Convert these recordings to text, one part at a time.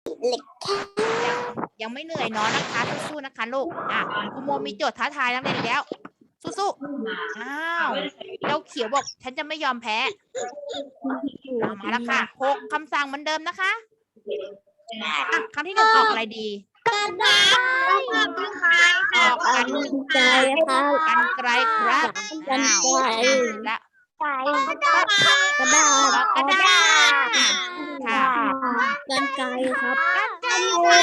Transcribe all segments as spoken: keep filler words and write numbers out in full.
ยังยังไม่เหนื่อยเนาะนะคะสู้ๆนะคะลูกอ่ะครูโมมีโจทย์ท้าทายนักเรียนอีกแล้วสู้ๆอ้าวเจ้าเขียวบอกฉันจะไม่ยอมแพ้เอามาแล้วค่ะหกคำสั่งเหมือนเดิมนะคะอ่ะคำที่หนึ่งออกอะไรดีออกกันไกลครับกันไกลครับกันไกลและกระดาษกระดาษกระดาษค่ะกันไกลครับกันไกล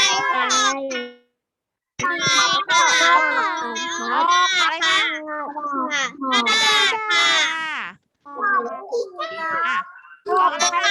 ครับออกอะไรคะกระดาษค่ะอ่ะออกอะไรคะ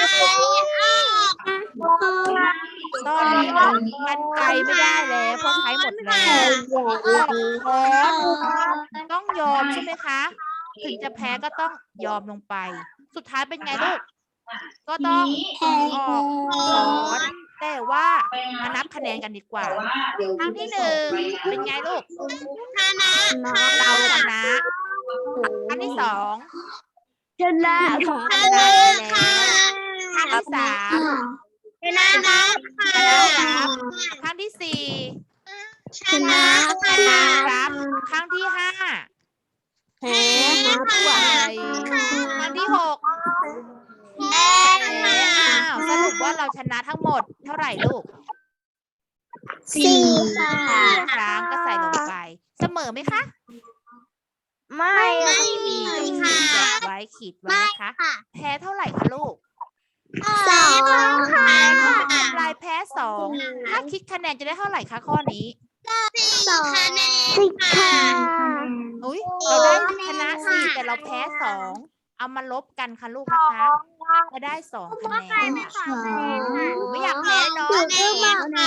ตอนนี้ออกกันไกลไม่ได้แล้วเพราะใช้หมดแล้วออกค้อนต้องยอมใช่ไหมคะถึงจะแพ้ก็ต้องยอมลงไปสุดท้ายเป็นไงลูกก็ต้องออกค้อนแต่ว่ามานับคะแนนกันดีกว่าครั้งที่หนึ่งเป็นไงลูกชนะเราชนะครั้งที่สองชนะคชรับนะแล้วครั้งที่สามชนะครับชนะครับครั้งที่สี่ชนะชนะครับครั้งที่ห้าแพ้ครับไหวครั้งที่หกแพ้อ้าวสรุปว่าเราชนะทั้งหมดเท่าไหร่ลูกสี่ค่ะครั้งก็ใส่ลงไปเสมอไหมคะไม่ไม่มีขีดแบบไว้ขีดไว้นะคะแพ้เท่าไหร่คะลูกสองค่ะทำลายแพ้สองถ้าคิดคะแนนจะได้เท่าไหร่คะข้อนี้สองสิบค่ะอุ้ยเราได้ชนะสี่แต่เราแพ้สองเอามาลบกันค่ะลูกนะคะจะได้สองคะแนนไม่อยากแพ้เนาะเก่ง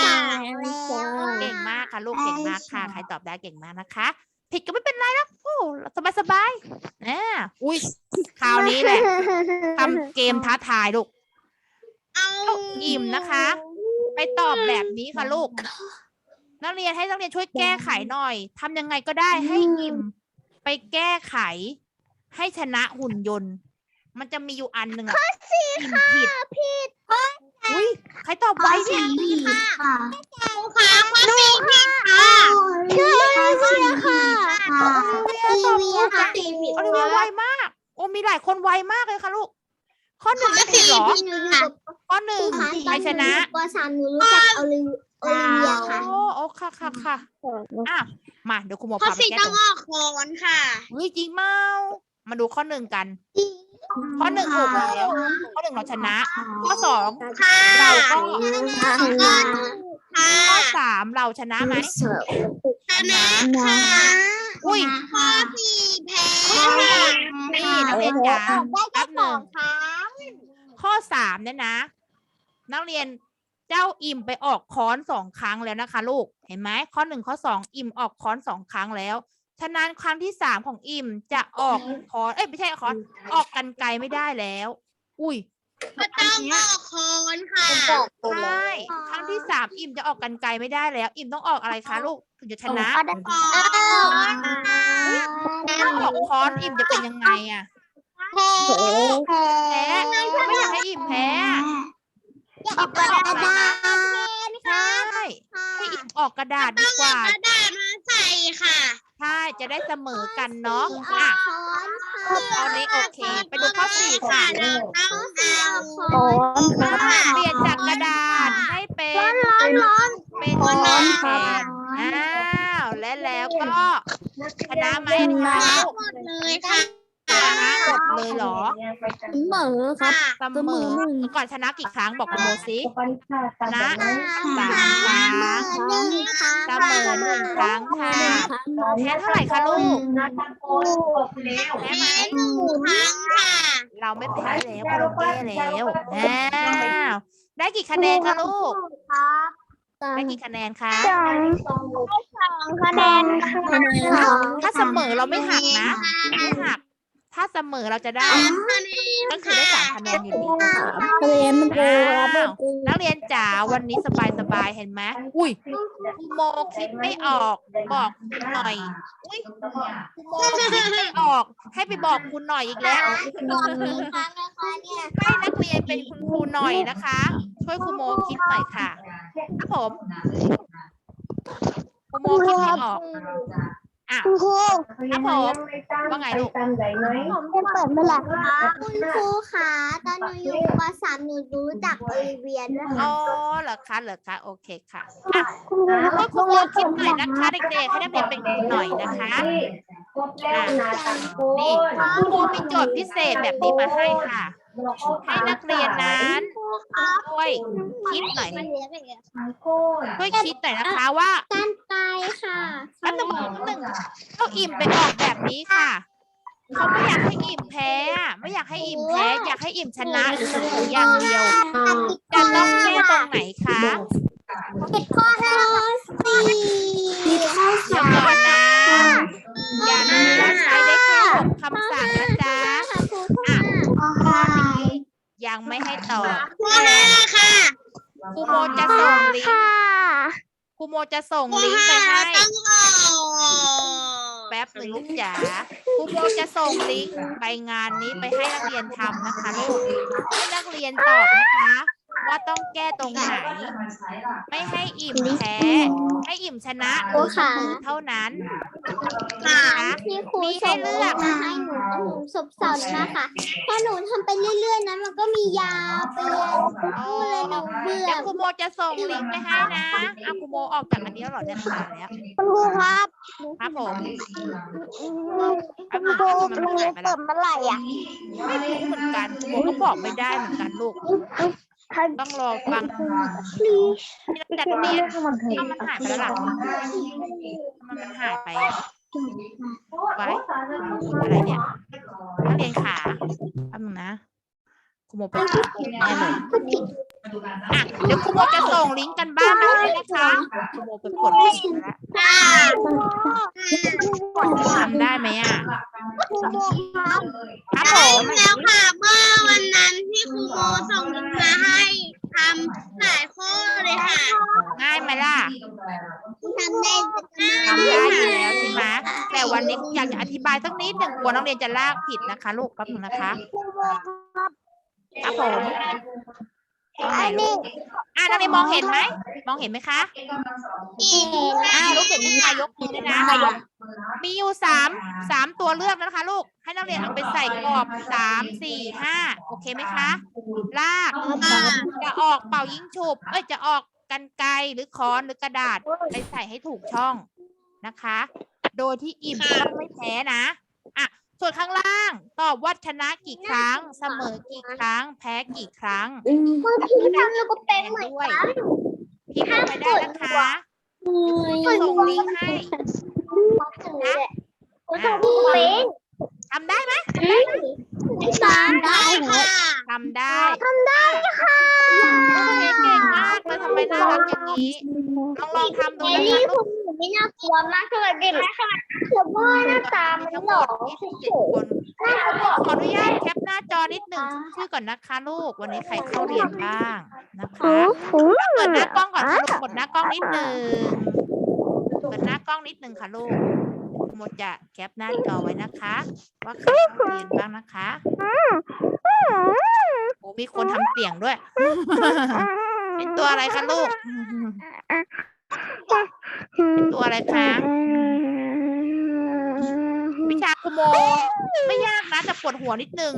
มากค่ะลูกเก่งมากค่ะใครตอบได้เก่งมากนะคะผิดก็ไม่เป็นไรหรอกโอ้สบายสบายอ่าอุ้ยคราวนี้แหละทำเกมท้าทายลูกเอาอิ่มนะคะ ไปตอบแบบนี้ค่ะลูกนักเรียนให้นักเรียนช่วยแก้ไขหน่อยทำยังไงก็ได้ให้อิ่มไปแก้ไขให้ชนะหุ่นยนต์มันจะมีอยู่อันหนึ่งอะอิ่มผิดผิดอุ้ยใครตอบไวเนี่ยค่ะค่ะข้อสี่ผิดค่ะใช่ค่ะค่ะโอลิเวียตอบถูกค่ะโอลิเวียไวมากโอ้มีหลายคนไวมากเลยค่ะลูกข้อหนึ่งไม่ผิดหรอข้อหนึ่งใครชนะปสามหนูรู้จักโอลิโอลิเวียค่ะโอ้โอ้ค่ะค่ะค่ะอ่ะมาเดี๋ยวคุณหมอข้อพาไปสี่แก้ต้ตัองวออกโคนค่ะเฮ้ยจริงเมามาดูข้อหนึ่งกัน ข้อหนึ่งถูกแล้วข้อหนึ่งเราชนะ ข้อสองเราก็ข้อสามเราชนะไหมชนะค่ะอุ้ยข้อสี่แพ้นี่นักเรียนจ๋าแป๊บหนึ่งข้อสามเนี่ยนะ นักเรียนเจ้าอิ่มไปออกค้อนสองครั้งแล้วนะคะลูกเห็นไหมข้อหนึ่งข้อสองอิ่มออกค้อนสองครั้งแล้วฉะนั้นครั้งที่สามของอิ่มจะออกค้อนเอ้ยไม่ใช่ค้อนออกกันไกลไม่ได้แล้ว อุ้ยก็ต้องออกโคนค่ะใช่ครั้งที่สามอิ่มจะออกกันไกลไม่ได้แล้ว อิ่มต้องออกอะไรคะลูกถึงจะชนะถ้าออกค้อนอิ่มจะเป็นยังไงอะแพ้ไม่อยากให้อิ่มแพ้อิ่มต้องออกอะไรคะใช่ให้อิ่มออกกระดาษดีกว่ากระดาษมาใส่ค่ะใช่จะได้เสมอกันเนาะอ่ะตอนนี้โอเค ไปดูข้อสี่ค่ะต้องเอาเปลี่ยนจากกระดาษให้เป็นร้อนร้อนเป็นค้อนแทนอ้าวและแล้วก็ชนะไหมคะลูกหมดเลยค่ะชนะหมดเลยเหรอเสมอครับเสมอก่อนชนะกี่ครั้งบอกคุณโมซิชนะสามครั้งเสมอหนึ่งครั้งค่ะแพ้เท่าไหร่คะลูกแพ้ไหมครั้งค่ะเราไม่แพ้แล้วเราแก้แล้วอ้าวได้กี่คะแนนคะลูกได้กี่คะแนนคะสองคะแนนค่ะถ้าเสมอเราไม่หักนะไม่หัก ถ้าเสมอเราจะได้ก็คือได้สามคะแนนอยู่ดีคะแนนมันโกงอ้าวนักเรียนจ๋าวันนี้สบายสบายๆเห็นไหมอุ้ยครูโมคิดไม่ออกบอกคุณหน่อยอุ้ยครูโมคิดไม่ออก ให้ไปบอกคุณหน่อยอีกแล้ว ให้นักเรียนเป็นคุณครูหน่อยนะคะ ช่วยครูโมคิดหน่อยค่ะครับผมครูโมคิดไม่ออกอ่ะคุณครูครับผมว่าไงลูกผมจะเปิดเมื่อไหร่คะคุณครูคะตอนหนูอยู่ป .สาม หนูรู้จักโอลิเวียด้วยอ๋ค่ะอเหรอคะเหรอคะโอเคค่ะอ่ะคุณครูให้ครูโมคิดหน่อยนะคะเด็กๆให้นักเรียนเป็นครูหน่อยนะคะอ่ะนี่ครูโมมีโจทย์พิเศษแบบนี้มาให้ค่ะ ให้นักเรียนนั้นช่วยคิดหน่อยช่วยคิดหน่อยนะคะว่าการไกลค่ะแป๊บหนึงแป๊บหนึงเขาอิ่มไปออกแบบนี้ค่ะเขาไม่อยากให้อิ่มแพ้อะไม่อยากให้อิ่มแพ้อยากให้อิ่มชนะหรือเสมออย่างเดียวจะต้องแก้ตรงไหนคะผิดข้อห้าสี่ผิดข้อเดี๋ยวสามก่อนนะ อย่าลืมว่าใช้ได้แค่หกคำสั่งนะจ๊ะค่ะครูข้อห้าข้อนี้ยังไม่ให้ตอบข้อห้าค่ะครูโมจะส่งลิงก์ครูโมจะส่งข้อลิงก์ไปห้าให้ต้องออกแป๊บหนึ่งลูกจ๋าครูโมจะส่งลิงก์ไปงานนี้ไปให้นักเรียนทำนะคะลูกให้นักเรียนตอบนะคะ ว่าต้องแก้ตรงไหน ไม่ให้อิ่มแพ้ ให้อิ่มชนะหรือเสมอเท่านั้นนะคะที่ครูมีให้เลือกส่งมาให้หนูแล้วหนูสับสนนะคะถ้าหนูทำไปเรื่อยๆนะมันก็มียาวไปเรื่อยๆพูดเลยหนูเบื่อเดี๋ยวครูโมจะส่งลิงก์ไปให้นะอ่ะครูโมออกจากอันนี้แล้วเหรอเนี่ยมาแล้วคุณครูครับครับผมคุณครูโรงเรียนเปิดเมื่อไหร่อ่ะไม่รู้เหมือนกันครูโมก็บอกไม่ได้เหมือนกันลูก ต้องรอฟังที่จัดเรียนเอามันหายไปแล้วล่ะมันมันหายไปอะไว้อะไรเนี่ยนักเรียนขาแป๊บนึงนะครูโมไปแน่เลยอ่ะเดี๋ยวครูโมจะส่งลิงก์กันบ้านมาให้นะคะครูโมไปกดลิงก์แล้วทำได้ไหมอ่ะครับผมแล้วค่ะเมื่อวันนั้นที่ครูโมส่งลิงก์มาให้ทำหลายข้อเลยค่ะง่ายไหมล่ะทำได้ทำได้อยู่แล้วใช่ไหมแต่วันนี้อยากจะอธิบายสักนิดหนึ่งกลัวนักเรียนจะลากผิดนะคะลูกแป๊บนึงนะคะครับผมตรงไหนลูกอ่านักเรียนมองเห็นไหมมองเห็นไหมคะอ่าลูกเห็นผู้ชายยกมือด้วยนะมีอยู่สามสามตัวเลือกนะคะลูกให้นักเรียนเอาไปใส่กรอบสามสี่ห้าโอเคไหมคะลากจะออกเป่ายิงฉุบเอ้ยจะออกกรรไกรหรือค้อนหรือกระดาษไปใส่ให้ถูกช่องนะคะ โดยที่อิ่มต้องไม่แพ้นะอ่ะส่วนข้างล่างตอบว่าชนะกี่ครั้งเสมอกี่ครั้งแพ้กี่ครั้งบางทีทำแล้วก็เป็นเหมือนกันพิมพ์ลงไปได้นะคะส่งลิงก์ให้นะอ่ะเป็นทำได้ไหมทำได้ค่ะทำได้ทำได้ค่ะโอเคเก่งมากเลยทำไมน่ารักอย่างนี้ลองลองทำดูเอนะลี่คะลูคุกณหนูไม่น่ากลัวมากเท่าไหร่เด็กเดี๋ยวว่าหน้าตามันทั้งหหมล่อดยี่สิบเจ็ดคนขออนุญาตแคปหน้าจอนิดหนึ่งชื่อก่อนนะคะลูกวันนี้ใครเข้าเรียนบ้างนะคะเปิดหน้ากล้องก่อนค่ะลูกกดหน้ากล้องนิดหนึ่งเปิดหน้ากล้องนิดหนึ่งค่ะลูกหมดจะแคปหน้าจอไว้นะคะ ว่าใครเข้าเรียนบ้างนะคะโอ้มีคนทำเสียงด้วย เป็นตัวอะไรคะลูกเป็นตัวอะไรคะวิชาคุโมไม่ยากนะแต่ปวดหัวนิดนึง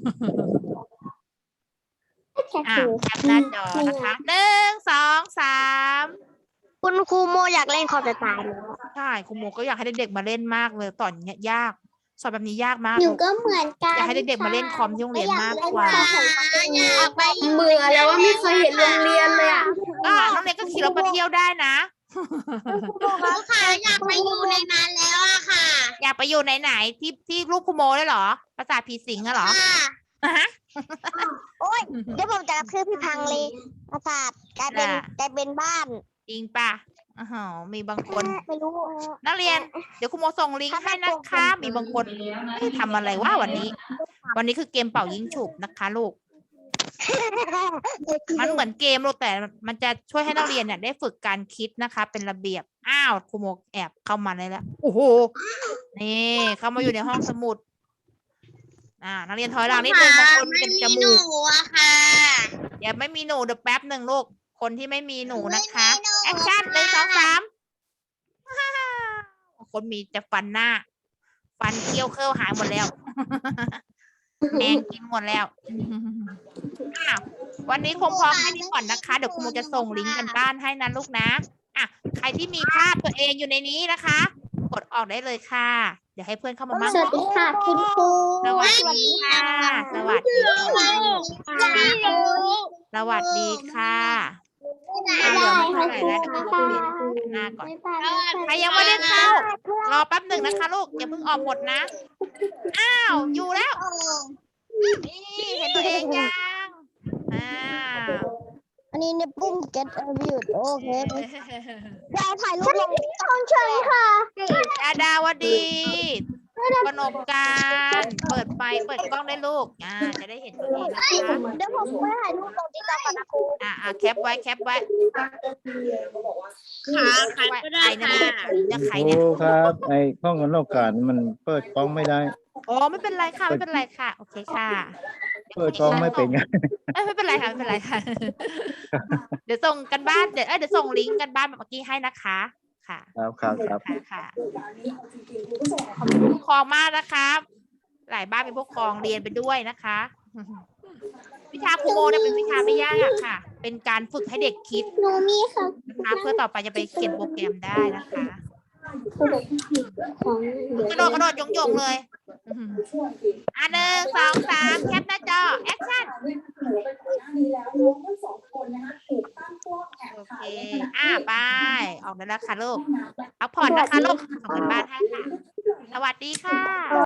อ่ะแคปหน้าจอนะคะหนึ่งสองสามคุณครูโมอยากเล่นคอมจะตายเลยใช่คุโมก็อยากให้เด็กๆมาเล่นมากเลยตอนเนี้ยยากสอนแบบนี้ยากมากหนูลูกก็เหมือนกันอยากให้เด็กๆมาเล่นคอมที่โรงเรียนมากกว่าอยากไปอยู่เบื่อแล้วว่าไม่เคยเห็นโรงเรียนเลยอ่ะก็น้องเรียนก็ขี่รถไปเที่ยวได้นะครูค่ะอยากไปอยู่ในนั้นแล้วอะค่ะอยากไปอยู่ไหนๆที่ที่ลูกคุโมได้เหรอปราสาทผีสิงอะเหรอค่ะฮะโอ้ยเดี๋ยวผมจะกระทืบพี่พังเลยประสาทกลายเป็นอ่ากลายเป็นบ้านจริงป่ะอ๋อมีบางคนไม่รู้นักเรียนเดี๋ยวคุณโมส่งลิงก์ให้นะคะ มีบางคนเอ๊ะทำอะไรว่าวันนี้ วันนี้คือเกมเป่ายิงฉุบนะคะลูก มันเหมือนเกมลูกแต่มันจะช่วยให้นักเรียนเนี่ยได้ฝึกการคิดนะคะ เป็นระเบียบอ้าวครูโมแอบเข้ามาได้แล้วโอ้โหนี่เข้ามาอยู่ในห้องสมุดอ่านักเรียนถอยหลังนิดนึงบางคนไม่เป็นมีจหนูมูกอะค่ะอย่าไม่มีหนูเดี๋ยวแป๊บหนึ่งลูกคนที่ไม่มีหนูนะคะแอคชั่นหนึ่งสองสามคนมีแต่ฟันหน้า ฟันเคี้ยวเคิ้ยวหายหมดแล้ว แมงกินหมดแล้วอ้าววันนี้คงพอแค่นี้ก่อนนะคะ เดี๋ยวครูจะส่งลิงก์กันบ้านให้นะลูกนะอ่ะใครที่มีภาพตัวเองอยู่ในนี้นะคะ กดออกได้เลยค่ะ เดี๋ยวให้เพื่อนเข้ามามั่งสวัสดีค่ะคุณครูสวัสดีค่ะ สวัสดีค่ะไม่รู้สวัสดีค่ะได้ค่ะครูหน้าก่อนบ๊ายบายใครยังไม่ได้เข้ารอแป๊บหนึ่งนะคะลูกอย่าเพิ่งออกหมดนะ อ้าวอยู่แล้ว นี่เห็นตัวเองยังอ้าวอันนี้ในปุ่ม get a view โอเคยายถ่ายรูปลงของเชิญค่ะดาดาวดีกนกการเปิดไฟเปิดกล้องได้ลูกอ่าจะได้เห็นตัวเองนะคะเดี๋ยวผมไปถ่ายรูปลงติ๊กต็อกก่อนนะครูอ่าอ่าแคปไว้แคปไว้ขาใครก็ได้ใครค่ะเนี่ยใครคเนี่ยรูครับไอ้ข้องกันโอกาสมันเปิดกล้องไม่ได้อ๋อไม่เป็นไรค่ะไม่เป็นไรค่ะ โอเคค่ะเปิดกล้องไม่เป็นไงเอ้ยไม่เป็นไรค่ะไม่เป็นไรค่ะ เดี๋ยวส่งกันบ้านเดี๋ยวเอ้ยเดี๋ยวส่งลิงก์กันบ้านแบบเมื่อกี้ให้นะคะค่ะครับครับครับค่ะค่ะขอบคุณผู้ปกครองมากนะครับ หลายบ้านเป็นผู้ปกครองเรียนไปด้วยนะคะ วิชาครูโมเนี่ยเป็นวิชาไม่ยากค่ะ เป็นการฝึกให้เด็กคิดหนูมีค่ะนะคะเพื่อต่อไปจะไปเขียนโปรแกรมได้นะคะของกระโดดกระโดดยงยงๆเลยอื้อหืออ่ะหนึ่งสองสามแคปหน้าจอแอคชั่นโอเคอ่ะไปออกได้แล้วค่ะลูกพักผ่อนนะคะลูกส่งกันบ้านให้ค่ะ สวัสดีค่ะ